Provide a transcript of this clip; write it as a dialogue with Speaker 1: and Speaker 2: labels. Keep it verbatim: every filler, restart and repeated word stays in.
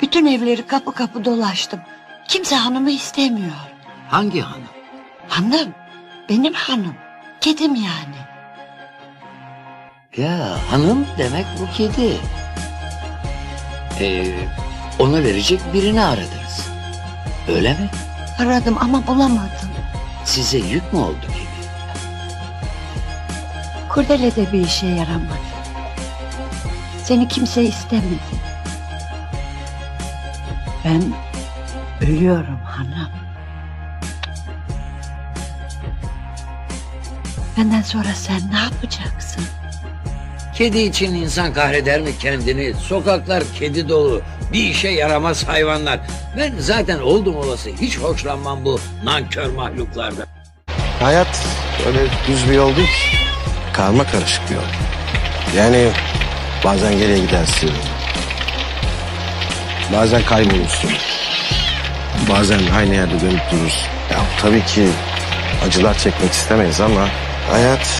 Speaker 1: Bütün evleri kapı kapı dolaştım. Kimse hanımı istemiyor.
Speaker 2: Hangi hanım?
Speaker 1: Hanım, benim hanım. Kedim yani.
Speaker 2: Ya hanım demek bu kedi. Ee, ona verecek birini aradınız. Öyle mi?
Speaker 1: Aradım ama bulamadım.
Speaker 2: Size yük mü oldu kedi?
Speaker 1: Kurdele de bir işe yaramadı. Seni kimse istemedi. Ben ölüyorum hanım. Benden sonra sen ne yapacaksın?
Speaker 2: Kedi için insan kahreder mi kendini? Sokaklar kedi dolu. Bir işe yaramaz hayvanlar. Ben zaten oldum olası hiç hoşlanmam bu nankör mahluklardan.
Speaker 3: Hayat öyle düz bir yol değil ki. Karma karışık bir yol. Yani bazen geriye gidersin. Bazen kaybolursun. Bazen aynı yerde dönüp durursun. Ya tabii ki acılar çekmek istemeyiz ama hayat